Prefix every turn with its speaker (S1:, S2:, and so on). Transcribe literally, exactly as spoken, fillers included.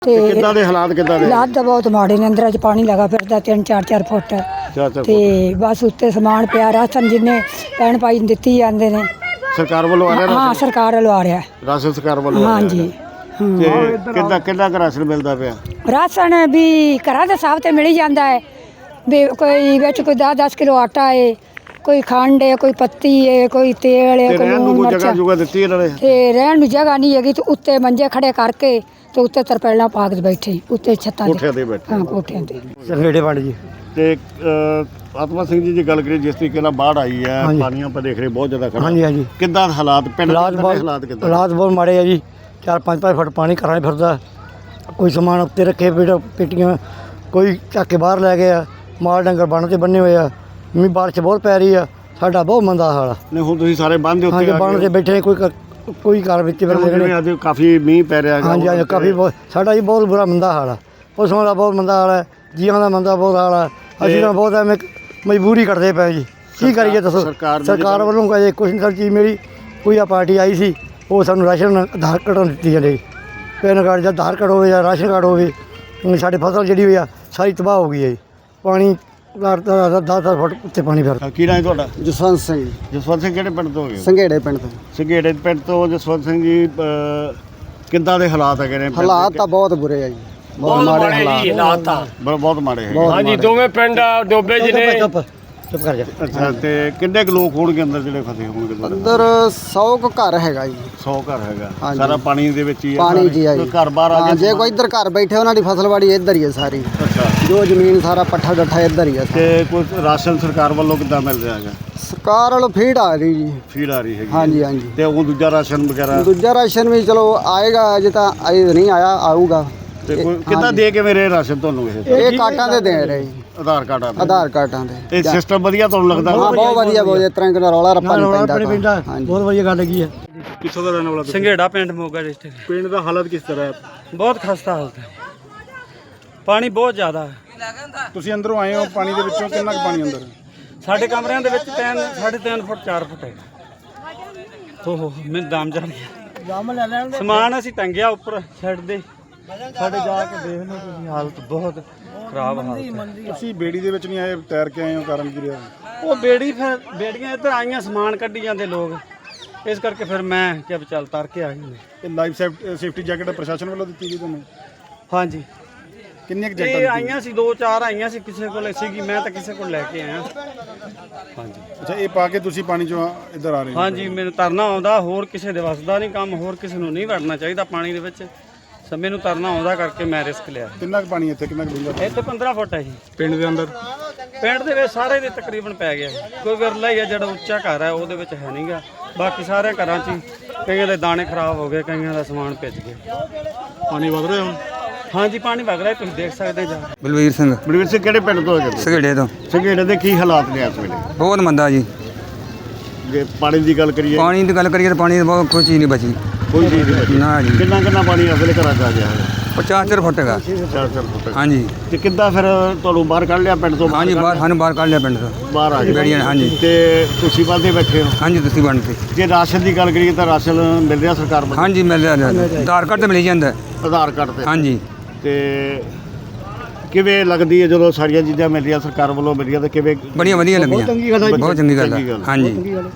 S1: ਤੇ
S2: ਕਿੱਦਾਂ ਦੇ ਹਾਲਾਤ ਕਿੱਦਾਂ ਦੇ
S1: ਹਾਲਾਤ ਤਾਂ ਬਹੁਤ ਮਾੜੇ ਨੇ। ਅੰਦਰਾਂ 'ਚ ਪਾਣੀ ਲੱਗਾ ਫਿਰਦਾ ਤਿੰਨ ਚਾਰ ਚਾਰ ਫੁੱਟ
S2: ਚਾਰ ਚਾਰ
S1: ਤੇ ਬਸ ਉੱਤੇ ਸਮਾਨ ਪਿਆ। ਰਾਸ਼ਨ ਜਿੰਨੇ ਪੈਣ ਪਾਈ ਦਿੱਤੀ ਜਾਂਦੇ ਨੇ
S2: ਸਰਕਾਰ ਵੱਲੋਂ ਆ ਰਿਹਾ
S1: ਹਾਂ
S2: ਰਾਸ਼ਨ?
S1: ਸਰਕਾਰ ਵੱਲੋਂ ਆ ਰਿਹਾ
S2: ਰਾਸ਼ਨ ਸਰਕਾਰ ਵੱਲੋਂ ਆ ਰਿਹਾ
S1: ਹਾਂਜੀ
S2: ਹੈਗਾ। ਤੇ ਕਿੱਦਾਂ ਕਿੰਨਾ ਕੁ ਰਾਸ਼ਨ ਮਿਲਦਾ ਪਿਆ?
S1: ਰਾਸ਼ਨ ਵੀ ਘਰਾਂ ਦੇ ਹਿਸਾਬ ਤੇ ਮਿਲ ਹੀ ਜਾਂਦਾ ਹੈ ਵੀ ਕੋਈ ਵਿੱਚ ਕੋਈ ਦਸ ਦਸ ਕਿਲੋ ਆਟਾ ਹੈ, ਕੋਈ ਖੰਡ ਹੈ, ਕੋਈ ਪੱਤੀ ਹੈ, ਕੋਈ ਤੇਲ ਹੈ,
S2: ਤੇ
S1: ਕੋਈ
S2: ਰਹਿਣ ਨੂੰ
S1: ਲੂਣ
S2: ਕੋਈ ਜਗ੍ਹਾ
S1: ਮਿਰਚਾਂ
S2: ਜੁਗਾ ਦਿੱਤੀ ਇਹਨਾਂ ਨੇ?
S1: ਤੇ ਰਹਿਣ ਨੂੰ ਜਗ੍ਹਾ ਨਹੀਂ ਹੈਗੀ ਤੇ ਉੱਤੇ ਮੰਜੇ ਖੜੇ ਕਰਕੇ ਤੇ ਉੱਤੇ ਤਰਪੈਲਾਂ ਪਾ ਕੇ ਬੈਠੇ ਉੱਤੇ ਛੱਤਾਂ
S2: ਕੋਠਿਆਂ ਤੇ ਬੈਠੇ?
S1: ਹਾਂ ਕੋਠਿਆਂ ਤੇ।
S3: ਸੰਘੇੜੇ ਪਿੰਡ ਜੀ।
S2: ਤੇ ਅਹ, ਆਤਮਾ ਸਿੰਘ ਜੀ ਦੀ ਗੱਲ ਕਰੀਏ, ਜਿਸ ਤਰੀਕੇ ਨਾਲ ਬਾੜ ਆਈ ਹੈ, ਪਾਣੀਆਂ ਆਪਾਂ ਦੇਖ ਰਹੇ ਬਹੁਤ ਜ਼ਿਆਦਾ ਖੜਾ।
S3: ਹਾਂਜੀ ਹਾਂਜੀ
S2: ਕਿੱਦਾਂ ਹਾਲਾਤ ਪਿੰਡ ਦੇ
S3: ਹਾਲਾਤ
S2: ਅੰਦਰ ਦੇ ਹਾਲਾਤ
S3: ਬਹੁਤ
S2: ਕਿੱਦਾਂ?
S3: ਹਾਲਾਤ ਬਹੁਤ ਮਾੜੇ ਆ ਜੀ। ਚਾਰ ਪੰਜ ਪੰਜ ਫੁੱਟ ਪਾਣੀ ਘਰਾਂ 'ਚ ਫਿਰਦਾ। ਕੋਈ ਸਮਾਨ ਉੱਤੇ ਰੱਖੇ ਪੇਟ ਪੇਟੀਆਂ ਕੋਈ ਚੱਕ ਕੇ ਬਾਹਰ ਲੈ ਗਿਆ। ਮਾਲ ਡੰਗਰ ਬੰਨ ਤੇ ਬੰਨੇ ਹੋਏ ਆ। ਮੀਂਹ ਬਾਰਿਸ਼ ਬਹੁਤ ਪੈ ਰਹੀ ਆ। ਸਾਡਾ ਬਹੁਤ ਮੰਦਾ ਹਾਲ ਆ।
S2: ਨਹੀਂ ਹੁਣ ਤੁਸੀਂ ਸਾਰੇ ਬੰਦ ਦੇ ਉੱਤੇ
S3: ਹਾਂਜੀ
S2: ਆ
S3: ਬੰਨ
S2: ਗਏ
S3: ਤੇ ਬੈਠੇ ਕੋਈ ਘਰ- ਕੋਈ ਘਰ ਵਿੱਚ ਫਿਰ
S2: ਹੋ। ਜਿਵੇਂ ਅੱਜ ਕਾਫੀ ਮੀਂਹ ਪੈ ਰਿਹਾ ਹੈਗਾ।
S3: ਹਾਂਜੀ ਹਾਂਜੀ ਕਾਫੀ ਬਹੁਤ ਸਾਡਾ ਜੀ ਬਹੁਤ ਬੁਰਾ ਮੰਦਾ ਹਾਲ ਆ। ਪਸ਼ੂਆਂ ਦਾ ਬਹੁਤ ਮੰਦਾ ਹਾਲ ਹੈ, ਜੀਵਾਂ ਦਾ ਮੰਦਾ ਬਹੁਤ ਹਾਲ ਆ। ਅਸੀਂ ਤਾਂ ਬਹੁਤ ਐਵੇਂ ਮਜਬੂਰੀ ਕਰਦੇ ਪਏ ਜੀ। ਕੀ ਕਰੀਏ ਦੱਸੋ?
S2: ਸਰਕਾਰ
S3: ਸਰਕਾਰ ਵੱਲੋਂ ਕੋਈ ਕੁਛ ਨਹੀਂ ਚੀਜ਼ ਮੇਰੀ ਕੋਈ ਆ ਪਾਰਟੀ ਆਈ ਸੀ ਉਹ ਸਾਨੂੰ ਰਾਸ਼ਨ ਆਧਾਰ ਕਾਰਡ ਦਿੱਤੀ ਜਾਂਦੇ। ਪੈਨ ਕਾਰਡ ਜਾਂ ਆਧਾਰ ਕਾਰਡ ਹੋਵੇ ਜਾਂ ਰਾਸ਼ਨ ਕਾਰਡ ਹੋਵੇ। ਹੁਣ ਸਾਡੀ ਫਸਲ ਜਿਹੜੀ ਹੋਈ ਆ ਸਾਰੀ ਤਬਾਹ ਹੋ ਗਈ ਹੈ ਜੀ। ਪਾਣੀ ਦਸ ਦਸ ਫੁੱਟ ਉੱਤੇ ਪਾਣੀ ਫਿਰ।
S2: ਕੀ ਨਾਂ ਹੈ ਤੁਹਾਡਾ?
S4: ਜਸਵੰਤ ਸਿੰਘ ਜੀ,
S2: ਜਸਵੰਤ ਸਿੰਘ ਕਿਹੜੇ ਪਿੰਡ ਤੋਂ ਹੋ ਗਏ?
S4: ਸੰਘੇੜੇ ਪਿੰਡ ਤੋਂ।
S2: ਸੰਘੇੜੇ ਪਿੰਡ ਤੋਂ ਜਸਵੰਤ ਸਿੰਘ ਜੀ, ਅਹ, ਕਿੱਦਾਂ ਦੇ ਹਾਲਾਤ ਹੈਗੇ ਨੇ ਪਿੰਡ ਦੇ?
S4: ਹਾਲਾਤ ਤਾਂ ਬਹੁਤ ਬੁਰੇ ਆ ਜੀ, ਬਹੁਤ ਮਾੜੇ ਹਾਲਾਤ
S2: ਤਾਂ ਬ- ਬਹੁਤ ਮਾੜੇ ਹੈਗੇ।
S5: ਹਾਂਜੀ ਦੋਵੇਂ ਪਿੰਡ ਡੋਬੇ ਜਿਹਨੇ।
S3: ਚੁੱਪ ਚੁੱਪ ਕਰ ਜਾ।
S2: ਅੱਛਾ, ਤੇ ਕਿੰਨੇ ਕੁ ਲੋਕ ਹੋਣਗੇ ਅੰਦਰ ਜਿਹੜੇ ਫਸੇ ਹੋਣਗੇ ਤੁਹਾਡੇ?
S4: ਅੰਦਰ ਸੌ ਕੁ ਘਰ ਹੈਗਾ ਜੀ।
S2: ਸੌ ਘਰ ਹੈਗਾ
S4: ਹਾਂਜੀ।
S2: ਸਾਰਾ ਪਾਣੀ ਦੇ ਵਿੱਚ ਹੀ ਹੈ?
S4: ਪਾਣੀ ਜੀ ਆ ਜੀ।
S2: ਕੋਈ ਘਰ ਬਾਹਰ ਆ
S4: ਹਾਂ,
S2: ਗਿਆ?
S4: ਜੇ ਕੋਈ ਇੱਧਰ ਘਰ ਬੈਠੇ ਉਹਨਾਂ ਦੀ ਫਸਲਵਾੜੀ ਇੱਧਰ ਹੀ ਹੈ ਸਾਰੀ।
S2: ਅੱਛਾ,
S4: ਜੋ ਜ਼ਮੀਨ ਸਾਰਾ ਪੱਠਾ ਡੱਠਾ ਇੱਧਰ ਹੀ ਹੈ।
S2: ਤੇ ਕੋਈ ਰਾਸ਼ਨ ਸਰਕਾਰ ਵੱਲੋਂ ਕਿੱਦਾਂ ਮਿਲ ਰਿਹਾ ਹੈਗਾ?
S4: ਸਰਕਾਰ ਵੱਲੋਂ ਫੀਡ ਆ ਰਹੀ ਜੀ।
S2: ਫੀਡ ਆ ਰਹੀ ਹੈਗੀ?
S4: ਹਾਂਜੀ ਹਾਂਜੀ।
S2: ਤੇ ਉਹ ਦੂਜਾ ਰਾਸ਼ਨ ਵਗੈਰਾ?
S4: ਦੂਜਾ ਰਾਸ਼ਨ ਵੀ ਚਲੋ ਆਏਗਾ, ਅਜੇ ਤਾਂ ਅਜੇ ਨਹੀਂ ਆਇਆ, ਆਊਗਾ।
S2: ਤੇ ਕੋਈ ਕਿੱਦਾਂ ਦੇ ਕੇ ਮੇਰੇ ਰਾਸ਼ਨ ਤੁਹਾਨੂੰ ਇਹ?
S4: ਇਹ ਕਾਟਾਂ ਦੇ ਦੇ ਰਹੇ ਜੀ,
S2: ਆਧਾਰ ਕਾਰਡ ਆ?
S4: ਆਧਾਰ ਕਾਰਡਾਂ ਦੇ।
S2: ਇਹ ਸਿਸਟਮ ਵਧੀਆ ਤੁਹਾਨੂੰ ਲੱਗਦਾ?
S4: ਹਾਂ ਬਹੁਤ ਵਧੀਆ, ਬਹੁਤ ਇਸ ਤਰ੍ਹਾਂ ਦਾ ਰੌਲਾ ਰੱਪਾ ਨਹੀਂ ਪੈਂਦਾ।
S3: ਪਿੰਡਾ
S4: ਹਾਂਜੀ
S3: ਬਹੁਤ ਵਧੀਆ ਗੱਲ ਹੈਗੀ ਹੈ।
S2: ਕਿੱਥੋਂ ਦਾ ਰਹਿਣ ਵਾਲਾ ਤੁਸੀਂ?
S5: ਸੰਘੇੜਾ ਪਿੰਡ ਮੋਗਾ ਡਿਸਟ੍ਰਿਕਟ।
S2: ਪਿੰਡ ਦਾ ਹਾਲਤ ਕਿਸ ਤਰ੍ਹਾਂ ਹੈ?
S5: ਬਹੁਤ ਖਸਤਾ ਹਾਲਤ ਹੈ, ਪਾਣੀ ਬਹੁਤ ਜ਼ਿਆਦਾ ਹੈ।
S6: ਤੁਸੀਂ ਅੰਦਰੋਂ ਆਏ ਹੋ ਪਾਣੀ ਦੇ ਵਿੱਚੋਂ, ਕਿੰਨਾ ਕੁ ਪਾਣੀ ਅੰਦਰ?
S5: ਸਾਡੇ ਕਮਰਿਆਂ ਦੇ ਵਿੱਚ ਤਿੰਨ ਸਾਢੇ ਤਿੰਨ ਫੁੱਟ ਚਾਰ ਫੁੱਟ ਹੈ। ਓਹੋ ਮੈਨੂੰ ਦਮ ਚੜ ਗਿਆ। ਸਮਾਨ ਅਸੀਂ ਟੰਗਿਆ ਉੱਪਰ ਛੱਡ ਦੇ। ਸਾਡੇ ਜਾ ਕੇ ਦੇਖ ਲਓ ਤੁਸੀਂ, ਹਾਲਤ ਬਹੁਤ ਖਰਾਬ ਹਾਲਤ ਹੈ।
S6: ਤੁਸੀਂ ਬੇੜੀ ਦੇ ਵਿੱਚ ਨਹੀਂ ਆਏ, ਤੈਰ ਕੇ ਆਏ ਹੋ, ਕਾਰਨ ਕੀ ਰਿਹਾ?
S5: ਉਹ ਬੇੜੀ ਫਿਰ ਬੇੜੀਆਂ ਇੱਧਰ ਆਈਆਂ, ਸਮਾਨ ਕੱਢੀ ਜਾਂਦੇ ਲੋਕ, ਇਸ ਕਰਕੇ ਫਿਰ ਮੈਂ ਕਿਹਾ ਵੀ ਚੱਲ ਤਰ ਕੇ ਆ ਗਏ।
S6: ਇਹ ਲਾਈਫ ਸੇਫਟੀ ਜੈਕਟ ਪ੍ਰਸ਼ਾਸਨ ਵੱਲੋਂ ਦਿੱਤੀ ਗਈ ਤੁਹਾਨੂੰ?
S5: ਹਾਂਜੀ
S6: ਕਿੰਨੀਆਂ ਕੁ
S5: ਇਹ
S6: ਜੈਕਟਾਂ?
S5: ਆਈਆਂ ਸੀ, ਦੋ ਚਾਰ ਆਈਆਂ ਸੀ, ਕਿਸੇ ਕੋਲ ਸੀਗੀ, ਮੈਂ ਤਾਂ ਕਿਸੇ ਕੋਲ ਲੈ ਕੇ ਆਇਆ। ਹਾਂਜੀ
S6: ਅੱਛਾ, ਇਹ ਪਾ ਕੇ ਤੁਸੀਂ ਪਾਣੀ ਚੋਂ ਇੱਧਰ ਆ ਰਹੇ ਹੋ?
S5: ਹਾਂਜੀ ਮੈਨੂੰ ਤਰਨਾ ਆਉਂਦਾ, ਹੋਰ ਕਿਸੇ ਦੇ ਵੱਸਦਾ ਨਹੀਂ ਕੰਮ, ਹੋਰ ਕਿਸੇ ਨੂੰ ਨਹੀਂ ਵੜਨਾ ਚਾਹੀਦਾ ਪਾਣੀ ਦੇ ਵਿੱਚ। ਸੋ ਮੈਨੂੰ ਤਰਨਾ ਆਉਂਦਾ ਕਰਕੇ ਮੈਂ ਰਿਸਕ ਲਿਆ।
S6: ਕਿੰਨਾ ਕੁ ਪਾਣੀ ਇੱਥੇ, ਕਿੰਨਾ ਕੁ ਡੂੰਘਾ?
S5: ਇੱਥੇ ਪੰਦਰਾਂ ਫੁੱਟ ਹੈ ਜੀ
S6: ਪਿੰਡ ਦੇ ਅੰਦਰ?
S5: ਪਿੰਡ ਦੇ ਵਿੱਚ ਸਾਰੇ ਦੇ ਤਕਰੀਬਨ ਪੈ ਗਿਆ। ਕੋਈ ਵਿਰਲਾ ਹੀ ਆ ਜਿਹੜਾ ਉੱਚਾ ਘਰ ਹੈ ਉਹਦੇ ਵਿੱਚ ਹੈ ਨਹੀਂਗਾ, ਬਾਕੀ ਸਾਰੇ ਘਰਾਂ 'ਚ ਹੀ ਕਈਆਂ ਦੇ ਦਾਣੇ ਖਰਾਬ ਹੋ ਗਏ, ਕਈਆਂ ਦਾ ਸਮਾਨ ਭਿੱਜ ਗਿਆ।
S6: ਪਾਣੀ ਵਧ ਰਿਹਾ ਹੁਣ?
S5: ਹਾਂਜੀ ਪਾਣੀ ਵਗ ਰਿਹਾ, ਤੁਸੀਂ ਦੇਖ ਸਕਦੇ ਜਾ।
S3: ਬਲਵੀਰ ਸਿੰਘ
S2: ਬਲਵੀਰ ਸਿੰਘ ਕਿਹੜੇ ਪਿੰਡ ਤੋਂ ਹੈਗੇ?
S3: ਸੰਘੇੜੇ ਤੋਂ।
S2: ਸੰਘੇੜੇ ਦੇ ਕੀ ਹਾਲਾਤ ਨੇ ਇਸ ਵੇਲੇ?
S3: ਬਹੁਤ ਮੰਦਾ ਜੀ।
S2: ਜੇ ਪਾਣੀ ਦੀ ਗੱਲ ਕਰੀਏ,
S3: ਪਾਣੀ ਦੀ ਗੱਲ ਕਰੀਏ ਤਾਂ ਪਾਣੀ ਦੀ ਬਹੁਤ ਕੋਈ ਚੀਜ਼ ਨਹੀਂ ਬਚੀ।
S2: ਕੋਈ ਚੀਜ਼ ਨਹੀਂ ਬਚੀ।
S3: ਨਾ ਜੀ।
S2: ਕਿੰਨਾ ਕਿੰਨਾ ਪਾਣੀ ਇਸ ਵੇਲੇ ਘਰਾਂ 'ਚ ਆ ਗਿਆ ਹੈ?
S3: ਪਚਾਸ ਚਾਰ ਫੁੱਟ ਹੈਗਾ।
S2: ਚਾਰ ਚਾਰ ਫੁੱਟ।
S3: ਹਾਂਜੀ
S2: ਤੇ ਕਿੱਦਾਂ ਫਿਰ ਤੁਹਾਨੂੰ ਬਾਹਰ ਕੱਢ ਲਿਆ ਪਿੰਡ ਤੋਂ?
S3: ਹਾਂਜੀ ਬਾਹਰ ਸਾਨੂੰ ਬਾਹਰ ਕੱਢ ਲਿਆ ਪਿੰਡ ਤੋਂ।
S2: ਬਾਹਰ ਆ ਗਏ
S3: ਬੇੜੀਆਂ ਨੇ, ਹਾਂਜੀ।
S2: ਤੇ ਤੁਸੀਂ ਬੰਦੇ ਬੈਠੇ ਹੋ?
S3: ਹਾਂਜੀ ਤੁਸੀਂ ਬਣਦੇ।
S2: ਜੇ ਰਾਸ਼ਨ ਦੀ ਗੱਲ ਕਰੀਏ ਤਾਂ ਰਾਸ਼ਨ ਮਿਲ ਰਿਹਾ ਸਰਕਾਰ ਵੱਲੋਂ?
S3: ਹਾਂਜੀ ਮਿਲ ਰਿਹਾ। ਆਧਾਰ ਕਾਰਡ ਤੇ ਮਿਲ ਜਾਂਦਾ।
S2: ਆਧਾਰ ਕਾਰਡ ਤੇ?
S3: ਹਾਂਜੀ।
S2: ਤੇ ਕਿਵੇਂ ਲੱਗਦੀ ਹੈ ਜਦੋਂ ਸਾਰੀਆਂ ਚੀਜ਼ਾਂ ਮਿਲ ਰਹੀਆਂ ਸਰਕਾਰ ਵੱਲੋਂ ਮਿਲ ਰਹੀਆਂ, ਤੇ ਕਿਵੇਂ?
S3: ਬੜੀਆਂ ਵਧੀਆ ਲੱਗੀਆਂ।
S2: ਬਹੁਤ ਚੰਗੀ ਗੱਲ ਹੈ।
S3: ਬਹੁਤ ਚੰਗੀ ਗੱਲ ਹੈ। ਹਾਂਜੀ।